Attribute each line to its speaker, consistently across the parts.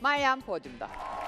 Speaker 1: Meryem podyumda.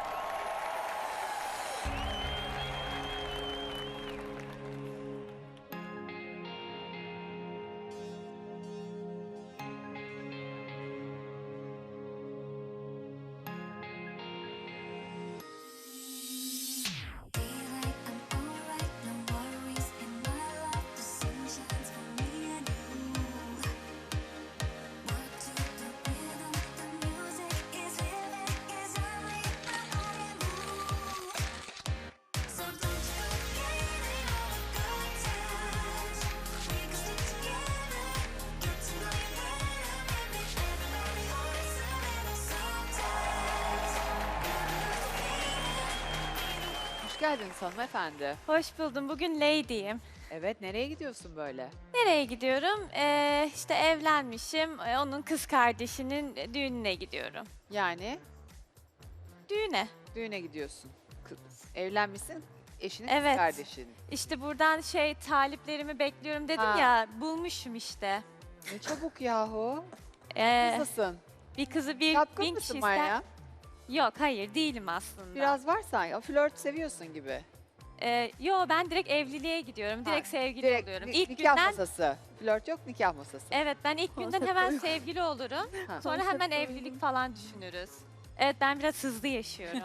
Speaker 1: Hoş geldiniz hanımefendi.
Speaker 2: Hoş buldum. Bugün Lady'yim.
Speaker 1: Evet, nereye gidiyorsun böyle?
Speaker 2: Nereye gidiyorum? İşte evlenmişim. Onun kız kardeşinin düğününe gidiyorum.
Speaker 1: Yani
Speaker 2: Düğüne.
Speaker 1: düğüne gidiyorsun. Evlenmişsin, eşinin
Speaker 2: Evet.
Speaker 1: kız kardeşin.
Speaker 2: İşte buradan taliplerimi bekliyorum dedim
Speaker 1: Ha.
Speaker 2: ya. Bulmuşum işte.
Speaker 1: Ne çabuk yahu.
Speaker 2: Ee,
Speaker 1: Nasılsın?
Speaker 2: bir kızı bin
Speaker 1: Çapkın
Speaker 2: kişi
Speaker 1: mısın
Speaker 2: ister.
Speaker 1: Meryem?
Speaker 2: Yok, hayır değilim aslında.
Speaker 1: Biraz var sanki. O flört seviyorsun gibi.
Speaker 2: Yo, ben direkt evliliğe gidiyorum. Direkt
Speaker 1: Ha,
Speaker 2: sevgili
Speaker 1: Direkt
Speaker 2: oluyorum.
Speaker 1: nikah
Speaker 2: İlk günden
Speaker 1: masası. Flört yok, nikah masası.
Speaker 2: evet, ben ilk günden hemen sevgili olurum.
Speaker 1: Ha.
Speaker 2: Sonra hemen evlilik falan düşünürüz. Evet, ben biraz hızlı yaşıyorum.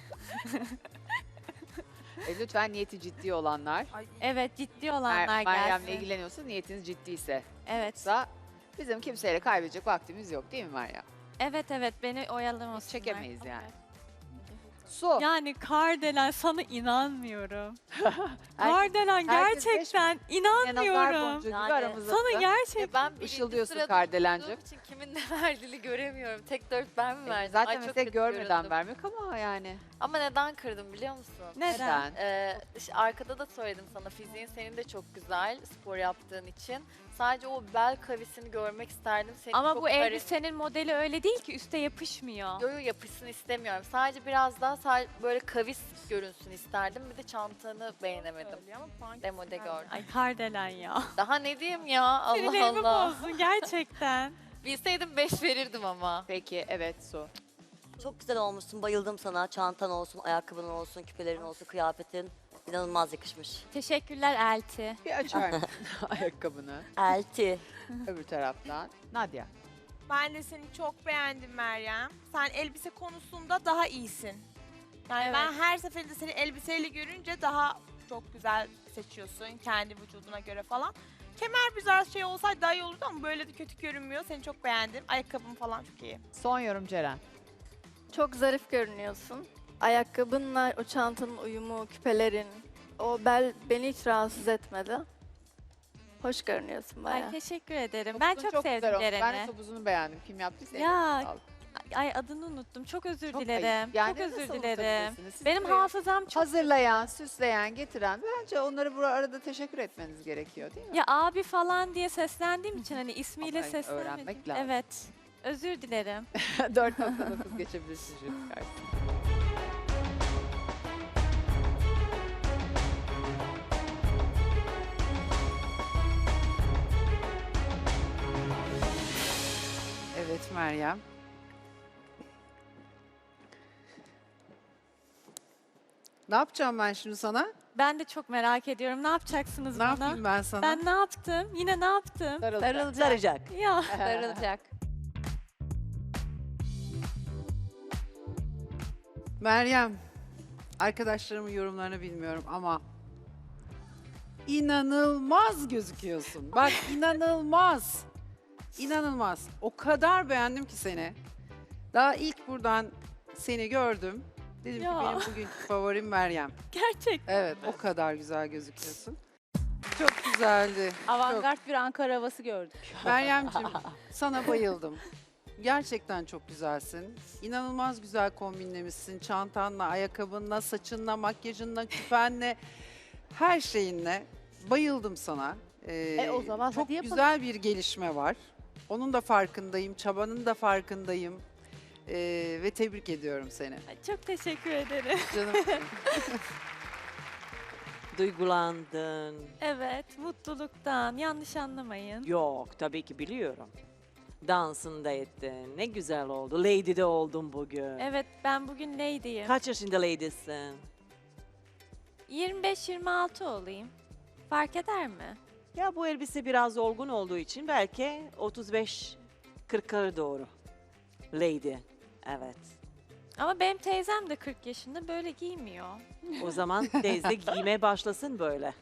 Speaker 1: Lütfen niyeti ciddi olanlar.
Speaker 2: Evet, ciddi olanlar
Speaker 1: Meryem'le
Speaker 2: gelsin.
Speaker 1: ilgileniyorsun, niyetiniz ciddiyse.
Speaker 2: Evet.
Speaker 1: Yoksa bizim kimseyle kaybedecek vaktimiz yok değil mi Meryem?
Speaker 2: Evet, beni oyalamasınlar.
Speaker 1: Biz çekemeyiz yani. Su.
Speaker 2: Yani Kardelen, sana inanmıyorum.
Speaker 1: Herkes-
Speaker 2: Kardelen,
Speaker 1: herkes
Speaker 2: gerçekten
Speaker 1: Nazar
Speaker 2: inanmıyorum.
Speaker 1: boncuğu gibi
Speaker 3: Yani
Speaker 1: aramızda.
Speaker 2: Sana gerçekten
Speaker 3: Ben birinci
Speaker 1: Işıldıyorsun
Speaker 3: sırada
Speaker 1: Kardelencim.
Speaker 3: olduğum için kimin ne verdiğini göremiyorum. Tek 4 ben mi verdim?
Speaker 1: Zaten
Speaker 3: Ay, çok
Speaker 1: mesela
Speaker 3: kötü
Speaker 1: görmeden
Speaker 3: göründüm.
Speaker 1: vermek ama yani.
Speaker 3: Ama neden kırdım biliyor musun?
Speaker 2: neden?
Speaker 3: İşte arkada da söyledim sana, fiziğin senin de çok güzel spor yaptığın için. Sadece o bel kavisini görmek isterdim. Senin
Speaker 2: Ama
Speaker 3: çok
Speaker 2: bu elbisenin modeli öyle değil ki, üste yapışmıyor.
Speaker 3: Yo yapışsın istemiyorum. Sadece biraz daha böyle kavis görünsün isterdim. Bir de çantanı beğenemedim. Demode gördüm.
Speaker 2: Ay Kardelen ya.
Speaker 3: Daha ne diyeyim ya? Allah
Speaker 2: Sinirlerimi
Speaker 3: Allah.
Speaker 2: bozdun gerçekten.
Speaker 3: Bilseydim 5 verirdim ama.
Speaker 1: Peki evet Su.
Speaker 4: Çok güzel olmuşsun. Bayıldım sana. Çantan olsun, ayakkabın olsun, küpelerin olsun, kıyafetin. İnanılmaz yakışmış.
Speaker 2: Teşekkürler Elti.
Speaker 1: Bir açar mısın ayakkabını
Speaker 4: Elti.
Speaker 1: öbür taraftan? Nadia.
Speaker 5: Ben de seni çok beğendim Meryem. Sen elbise konusunda daha iyisin. Yani
Speaker 2: Evet.
Speaker 5: ben her seferinde seni elbiseyle görünce daha çok güzel seçiyorsun kendi vücuduna göre falan. Kemer biraz şey olsaydı daha iyi olurdu ama böyle de kötü görünmüyor. Seni çok beğendim. Ayakkabın falan çok iyi.
Speaker 1: Son yorum Ceren.
Speaker 6: Çok zarif görünüyorsun. Ayakkabınla o çantanın uyumu, küpelerin, o bel beni hiç rahatsız etmedi. Hoş görünüyorsun bayağı.
Speaker 2: Ay teşekkür ederim. Ben
Speaker 1: Topuzun
Speaker 2: çok
Speaker 1: güzel
Speaker 2: sevdim
Speaker 1: olmuş. Ben de
Speaker 2: Ceren'i.
Speaker 1: topuzunu beğendim. Kim yaptıysa
Speaker 2: Ya,
Speaker 1: ellerine sağlık.
Speaker 2: Ay adını unuttum. Çok özür
Speaker 1: Çok
Speaker 2: dilerim.
Speaker 1: ayıp. Yani
Speaker 2: çok özür
Speaker 1: nasıl
Speaker 2: dilerim.
Speaker 1: unutabilirsiniz? Siz
Speaker 2: Benim
Speaker 1: buraya
Speaker 2: hafızam çok...
Speaker 1: hazırlayan, süsleyen, getiren bence onları bu arada teşekkür etmeniz gerekiyor değil mi?
Speaker 2: Ya abi falan diye seslendiğim için hani ismiyle
Speaker 1: Ama
Speaker 2: seslenmedim.
Speaker 1: öğrenmek lazım.
Speaker 2: Evet. Özür dilerim.
Speaker 1: 4.9 geçebilirsin jüri karşısına. Evet Meryem. Ne yapacağım ben şimdi sana?
Speaker 2: Ben de çok merak ediyorum. Ne yapacaksınız
Speaker 1: Ne
Speaker 2: bana?
Speaker 1: yapayım ben sana?
Speaker 2: Ben ne yaptım? Yine ne yaptım?
Speaker 4: Saracak.
Speaker 2: Ya.
Speaker 3: Darılacak.
Speaker 7: Meryem, arkadaşlarımın yorumlarını bilmiyorum ama inanılmaz gözüküyorsun. Bak inanılmaz. İnanılmaz. O kadar beğendim ki seni. Daha ilk buradan seni gördüm. Dedim
Speaker 2: Ya.
Speaker 7: ki benim bugünkü favorim Meryem.
Speaker 2: Gerçekten.
Speaker 7: Evet, o kadar güzel gözüküyorsun. Çok güzeldi.
Speaker 8: Avantgard bir Ankara havası gördük.
Speaker 7: Meryemciğim, sana bayıldım. Gerçekten çok güzelsin. İnanılmaz güzel kombinlemişsin. Çantanla, ayakkabınla, saçınla, makyajınla, küpenle, her şeyinle. Bayıldım sana.
Speaker 8: O zaman
Speaker 7: çok
Speaker 8: hadi yapalım.
Speaker 7: güzel bir gelişme var. Onun da farkındayım, çabanın da farkındayım. Ve tebrik ediyorum seni.
Speaker 2: Ay, çok teşekkür ederim.
Speaker 7: Canım.
Speaker 9: Duygulandın.
Speaker 2: Evet, mutluluktan. Yanlış anlamayın.
Speaker 9: Yok, tabii ki biliyorum. dansında ettin. Ne güzel oldu. Lady de oldun bugün.
Speaker 2: Evet, ben bugün lady'yim.
Speaker 9: Kaç yaşında lady'sin?
Speaker 2: 25-26 olayım. Fark eder mi?
Speaker 9: Ya bu elbise biraz olgun olduğu için belki 35-40'lara doğru. Lady. Evet.
Speaker 2: Ama benim teyzem de 40 yaşında böyle giymiyor.
Speaker 9: O zaman teyze giymeye başlasın böyle.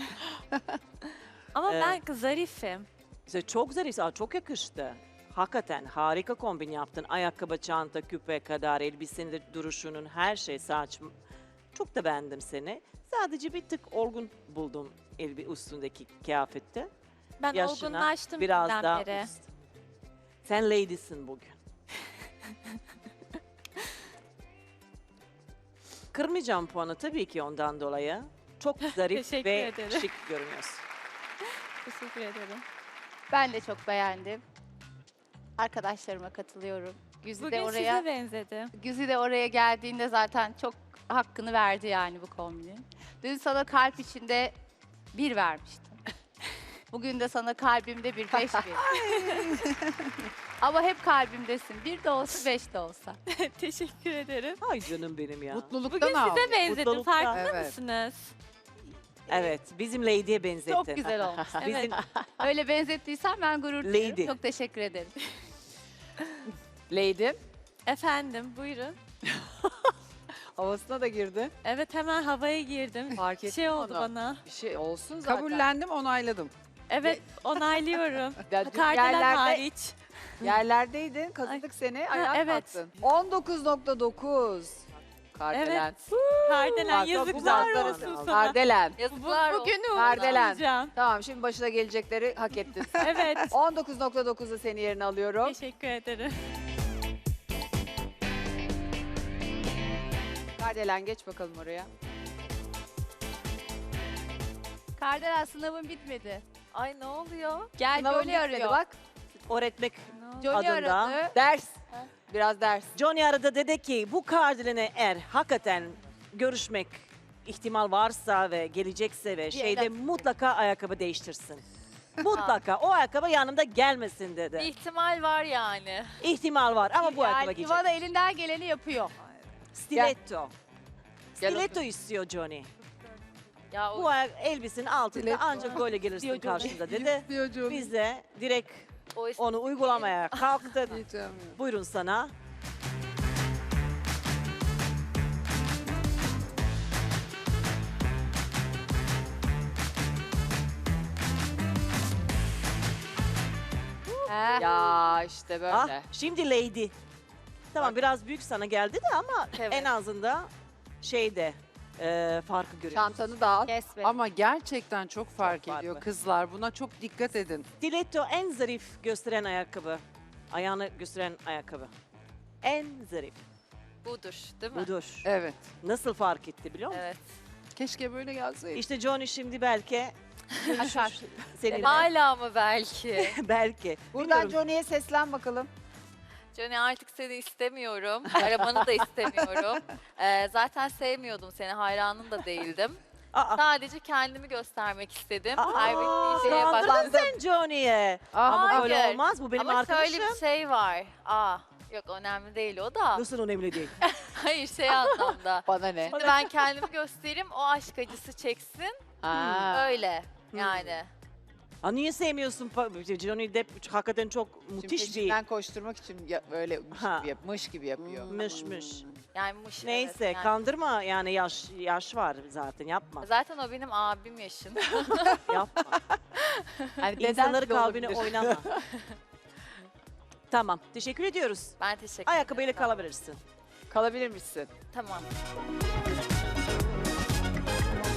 Speaker 2: Ama
Speaker 9: Evet.
Speaker 2: ben zarifim.
Speaker 9: İşte çok zarif, çok yakıştı. Hakikaten harika kombin yaptın. Ayakkabı, çanta, küpe kadar, elbisenin de duruşunun, her şey, saç. Çok da beğendim seni. Sadece bir tık olgun buldum üstündeki kıyafette.
Speaker 2: Ben
Speaker 9: Yaşına
Speaker 2: olgunlaştım
Speaker 9: biraz
Speaker 2: bizden
Speaker 9: daha
Speaker 2: beri.
Speaker 9: üst. Sen lady'sin bugün. Kırmayacağım puanı tabii ki ondan dolayı. Çok zarif
Speaker 2: Teşekkür
Speaker 9: ve
Speaker 2: ederim.
Speaker 9: şık görünüyorsun.
Speaker 2: Teşekkür ederim.
Speaker 8: Ben de çok beğendim. Arkadaşlarıma katılıyorum.
Speaker 2: Bugün size benzedim.
Speaker 8: Güzide de oraya geldiğinde zaten çok hakkını verdi yani bu kombinin. Dün sana kalp içinde 1 vermiştim. Bugün de sana kalbimde bir 5 Ama hep kalbimdesin. 1 de olsa 5 de olsa.
Speaker 2: Teşekkür ederim.
Speaker 9: Ay canım benim ya.
Speaker 7: Mutluluktan
Speaker 2: Bugün
Speaker 7: al.
Speaker 2: size benzedim.
Speaker 9: Mutluluktan.
Speaker 2: Farkında
Speaker 7: Evet.
Speaker 2: mısınız?
Speaker 9: Evet, bizim lady'ye benzettin.
Speaker 8: Çok güzel olmuş.
Speaker 9: Bizim
Speaker 8: Öyle benzettiysen ben gurur duyuyorum.
Speaker 9: Lady.
Speaker 8: Çok teşekkür ederim.
Speaker 1: Lady
Speaker 2: Efendim, buyurun.
Speaker 1: havasına da girdi.
Speaker 2: Evet, hemen havaya girdim.
Speaker 1: Fark
Speaker 2: Bir
Speaker 1: ettim
Speaker 2: şey oldu
Speaker 1: onu.
Speaker 2: bana.
Speaker 1: Bir şey olsun zaten.
Speaker 7: Kabullendim, onayladım.
Speaker 2: Evet, onaylıyorum.
Speaker 1: Ya dün
Speaker 2: Kardelen
Speaker 1: yerlerde-
Speaker 2: hariç.
Speaker 1: Yerlerdeydin, kazıdık seni, ayağa
Speaker 2: evet.
Speaker 1: kalktın. 19.9. Kardelen.
Speaker 2: Kardelen
Speaker 1: Bak,
Speaker 2: yazıklar
Speaker 1: bu
Speaker 2: olsun
Speaker 1: manzara-
Speaker 2: sana.
Speaker 1: Kardelen.
Speaker 3: Yazıklar olsun.
Speaker 2: Bugünü
Speaker 1: Kardelen.
Speaker 2: unutmayacağım.
Speaker 1: Tamam, şimdi başına gelecekleri hak ettin.
Speaker 2: Evet.
Speaker 1: 19.9'u seni yerine alıyorum.
Speaker 2: Teşekkür ederim.
Speaker 1: Kardelen geç bakalım oraya.
Speaker 8: Kardelen sınavın bitmedi.
Speaker 3: Ay ne oluyor?
Speaker 8: Gel
Speaker 1: Sınavın
Speaker 8: Johnny
Speaker 1: bitmedi
Speaker 8: arıyor.
Speaker 1: bak.
Speaker 9: öğretmek
Speaker 8: Johnny
Speaker 9: adında.
Speaker 8: aradı.
Speaker 1: Ders. Biraz ders.
Speaker 9: Johnny aradı, dedi ki bu Kardelen'e eğer hakikaten görüşmek ihtimal varsa ve gelecekse ve şeyde
Speaker 8: evet.
Speaker 9: mutlaka ayakkabı değiştirsin. Mutlaka o ayakkabı yanımda gelmesin
Speaker 3: Bir
Speaker 9: dedi.
Speaker 3: ihtimal var yani.
Speaker 9: İhtimal var ama bu ayakkabı
Speaker 8: Yani
Speaker 9: giyecek.
Speaker 8: Ivana elinden geleni yapıyor.
Speaker 9: Stiletto.
Speaker 1: Gel
Speaker 9: Stiletto istiyor Johnny.
Speaker 3: Ya o
Speaker 9: Bu elbisenin altında
Speaker 1: Stiletto.
Speaker 9: ancak böyle gelirsin
Speaker 8: Johnny.
Speaker 9: karşımda dedi.
Speaker 7: Diyor canım.
Speaker 9: Biz de direkt
Speaker 3: o
Speaker 9: onu uygulamaya kalktık.
Speaker 7: Diyeceğim ya.
Speaker 9: Buyurun sana.
Speaker 1: Ya işte böyle.
Speaker 9: Ah, şimdi lady. Tamam biraz büyük sana geldi de ama
Speaker 3: Evet.
Speaker 9: en azından şeyde farkı görüyoruz.
Speaker 1: Çantanı da al.
Speaker 8: Kes be.
Speaker 7: Ama gerçekten çok fark
Speaker 9: Çok
Speaker 7: ediyor
Speaker 9: farklı.
Speaker 7: kızlar. Buna çok dikkat edin.
Speaker 9: Stiletto en zarif gösteren ayakkabı. Ayağını gösteren ayakkabı. En zarif.
Speaker 3: budur değil mi?
Speaker 9: Budur.
Speaker 7: Evet.
Speaker 9: Nasıl fark etti biliyor musun?
Speaker 3: Evet.
Speaker 7: Keşke böyle gelseydi.
Speaker 9: İşte Johnny şimdi belki
Speaker 8: Açar.
Speaker 9: seninle.
Speaker 3: Hala mı belki?
Speaker 9: Belki.
Speaker 1: Buradan
Speaker 9: Bilmiyorum.
Speaker 1: Johnny'ye seslen bakalım.
Speaker 3: Johnny artık seni istemiyorum. Arabanı da istemiyorum. Zaten sevmiyordum seni. Hayranın da değildim.
Speaker 9: Aa,
Speaker 3: Sadece kendimi göstermek istedim.
Speaker 9: aa,
Speaker 3: Kaybettiğim şeye
Speaker 9: kandırdın
Speaker 3: bak.
Speaker 9: sen Johnny'ye.
Speaker 1: Ah,
Speaker 9: Ama böyle
Speaker 3: hayır.
Speaker 9: olmaz. Bu benim
Speaker 3: Ama
Speaker 9: arkadaşım.
Speaker 3: şöyle bir şey var. Yok önemli değil o da.
Speaker 9: Nasıl önemli değil.
Speaker 3: Hayır şey anlamda.
Speaker 1: Bana ne?
Speaker 3: Şimdi ben kendimi göstereyim, o aşk acısı çeksin.
Speaker 1: Ha.
Speaker 3: Öyle yani.
Speaker 9: Ha, niye sevmiyorsun? Johnny Depp hakikaten çok
Speaker 1: Şimdi
Speaker 9: müthiş bir
Speaker 1: peşinden koşturmak için böyle
Speaker 9: Ha.
Speaker 1: mış gibi yapıyor.
Speaker 9: mışmış.
Speaker 3: Yani muş,
Speaker 9: Neyse
Speaker 3: evet, yani.
Speaker 9: kandırma yani yaş var zaten yapma.
Speaker 3: Zaten o benim abim yaşında.
Speaker 9: Yapma.
Speaker 1: Yani deden
Speaker 9: İnsanları
Speaker 1: de
Speaker 9: kalbine
Speaker 1: olabilir.
Speaker 9: oynama. Tamam teşekkür ediyoruz.
Speaker 3: Ben teşekkür
Speaker 9: Ayakkabıyla
Speaker 3: ederim.
Speaker 9: kalabilirsin.
Speaker 1: Kalabilir misin?
Speaker 3: Tamam.